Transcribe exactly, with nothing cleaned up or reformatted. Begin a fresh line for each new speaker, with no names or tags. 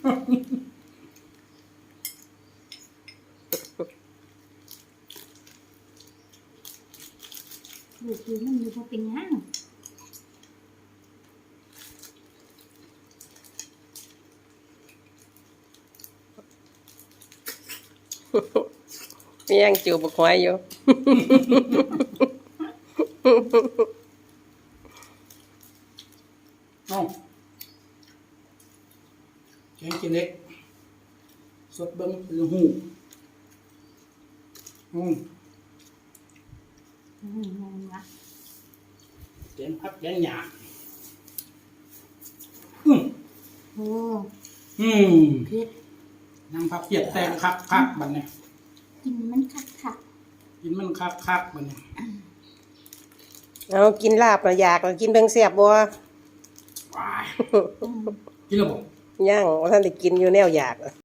ดูคือมันอยู่พอเป็นย่าง
มียังจิ๋วบกหอยอยู่
เอ้าแกงกินเล็กสดเบิ้งหรือหูอืม
อืมงงละ
แกงพักแกงหยาอืม
โอ้
อืม
เผ็ด
นั่งพับเพียดแตงคักคักบันเนี่ย
กินมันคักคัก
กินมันคักคักบันเนี่ย
เอากินลาบแล้วอยากแล้วกินเบิ่งแซ่บบ่
ว้าย
อืม
กินแล้วบ่
ย่างว่าท่านได้กินอยู่แนวอยาก